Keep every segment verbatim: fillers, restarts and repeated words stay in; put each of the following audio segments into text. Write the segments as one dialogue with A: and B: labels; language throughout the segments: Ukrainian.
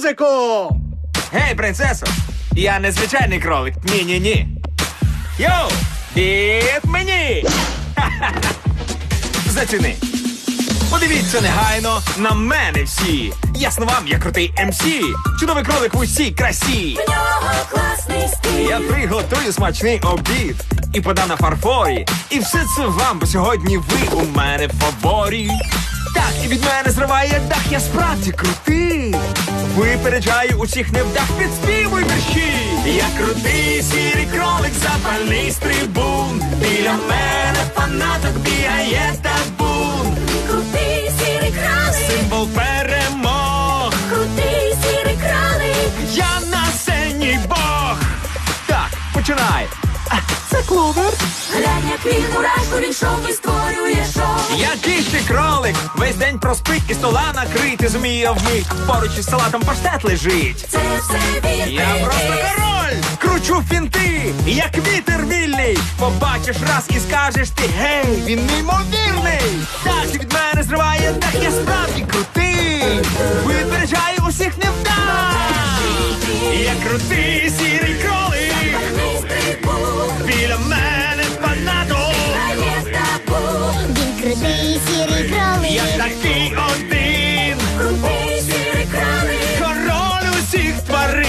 A: музику!
B: Гей, принцесо! Я не звичайний кролик. Ні-ні-ні. Йоу! Від мені! Ха-ха-ха! Заціни. Подивіться негайно на мене всі. Ясно вам, я крутий ем сі. Чудовий кролик в усій красі.
C: В нього класний стиль.
B: Я приготую смачний обід і подам на фарфорі. І все це вам, бо сьогодні ви у мене в фаворі. Так, і від мене зриває дах, я справді крутий. Випереджаю усіх невдах, підспівуй мерщі. Я крутий сірий кролик, запальний стрибун. Біля мене фанаток бігає табун.
C: Крутий сірий кролик.
B: Символ перемог.
C: Крутий сірий кролик.
B: Я на сцені Бог. Так, починай. А, це кловер.
C: Глянь, як він мурашку, він шоу і створює шоу.
B: Який ти кролик, весь день проспить і стола накрити зуміє вмить. Поруч із салатом паштет лежить.
C: Це все він.
B: Я просто король, кручу фінти, як вітер вільний. Побачиш раз і скажеш ти, гей, він неймовірний. Так від мене зриває дах, я справді крутий. Випереджаю усіх невдах. Я крутий сірий кролик.
C: Запальний стрибун.
B: Біля мене фанаток.
C: Бігає табун.
D: Він крутий сірий кролик.
B: Я такий один.
C: Крутий сірий кролик.
B: Король усіх тварин.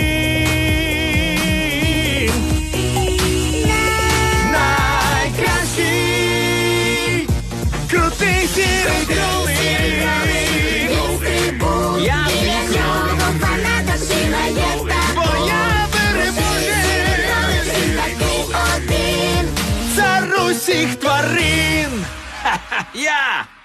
B: Найкращий. Крутий сірий кролик.
C: Він стрибун.
B: Я
C: Біля
B: твій
C: нього фанаток бігає табун.
B: Бо я переможець.
C: Він такий один.
B: Цар усіх тварин. Ха-ха, я.